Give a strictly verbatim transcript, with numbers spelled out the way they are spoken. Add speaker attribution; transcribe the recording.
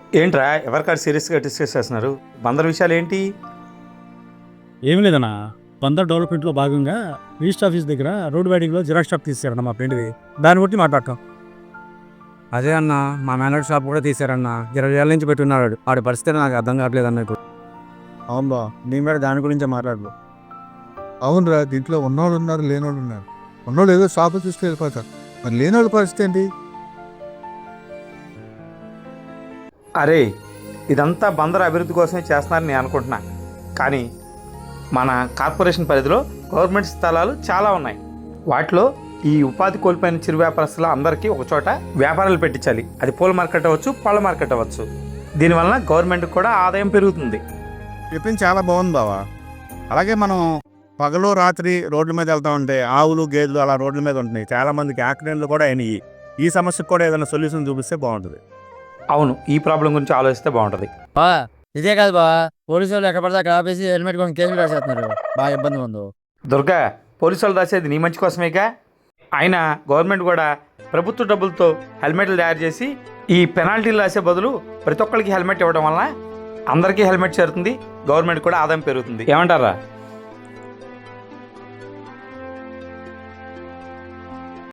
Speaker 1: ఏంట్రా ఎవరికాడు సీరియస్గా డిస్కస్ చేస్తున్నారు? బందర్ విషయాలు ఏంటి?
Speaker 2: ఏమి లేదన్నా, బందర్ డెవలప్మెంట్లో భాగంగా రిజిస్టర్ ఆఫీస్ దగ్గర రోడ్ వైడింగ్లో జిరాక్స్ షాప్ తీసారన్న మా ఫ్రెండ్ది. దాన్ని బట్టి మాట్లాడటం.
Speaker 3: అదే అన్న, మా మేనర్ షాప్ కూడా తీసారన్న. ఇరవై ఏళ్ళ నుంచి పెట్టున్నాడు. ఆడి పరిస్థితి నాకు అర్థం కావట్లేదు అన్న ఇప్పుడు.
Speaker 4: అవును బా,
Speaker 3: నేను కూడా దాని గురించే మాట్లాడు.
Speaker 4: అవునరా, దీంట్లో ఉన్నోళ్ళు ఉన్నారు, లేనోళ్ళు ఉన్నారు. ఉన్నోళ్ళు ఏదో షాపు చూసుకు వెళ్ళిపోతారు, మరి లేనోళ్ళ పరిస్థితి ఏంటి?
Speaker 1: అరే, ఇదంతా బందర్ అభివృద్ధి కోసమే చేస్తున్నారని నేను అనుకుంటున్నా. కానీ మన కార్పొరేషన్ పరిధిలో గవర్నమెంట్ స్థలాలు చాలా ఉన్నాయి. వాటిలో ఈ ఉపాధి కోల్పోయిన చిరు వ్యాపారస్తులు అందరికీ ఒక చోట వ్యాపారాలు పెట్టించాలి. అది పూల మార్కెట్ అవ్వచ్చు, పళ్ళ మార్కెట్ అవ్వచ్చు. దీనివల్ల గవర్నమెంట్కి కూడా ఆదాయం పెరుగుతుంది.
Speaker 4: చెప్పింది చాలా బాగుంది బావా. అలాగే మనం పగలు రాత్రి రోడ్ల మీద వెళ్తా ఉంటే ఆవులు గేదెలు అలా రోడ్ల మీద ఉంటున్నాయి. చాలా మందికి యాక్సిడెంట్లు కూడా అయినాయి. ఈ సమస్యకు కూడా ఏదైనా సొల్యూషన్ చూపిస్తే బాగుంటుంది.
Speaker 1: అవును, ఈ ప్రాబ్లం గురించి ఆలోచిస్తే బాగుంటుంది.
Speaker 5: బా ఇదే కాదు బా, పోలీసు వాళ్ళు ఎక్కడ పడితే అక్కడ ఆపేసి హెల్మెట్ కొని కేసులు రాసేస్తున్నారు. బాగా ఇబ్బంది ఉంది.
Speaker 1: దుర్గా, పోలీసు వాళ్ళు రాసేది నీ మంచి కోసమేగా. అయినా గవర్నమెంట్ కూడా ప్రభుత్వ డబ్బులతో హెల్మెట్లు తయారు చేసి ఈ పెనాల్టీలు రాసే బదులు ప్రతి ఒక్కరికి హెల్మెట్ ఇవ్వడం వల్ల అందరికీ హెల్మెట్ చేరుతుంది, గవర్నమెంట్ కూడా ఆదాయం పెరుగుతుంది. ఏమంటారా?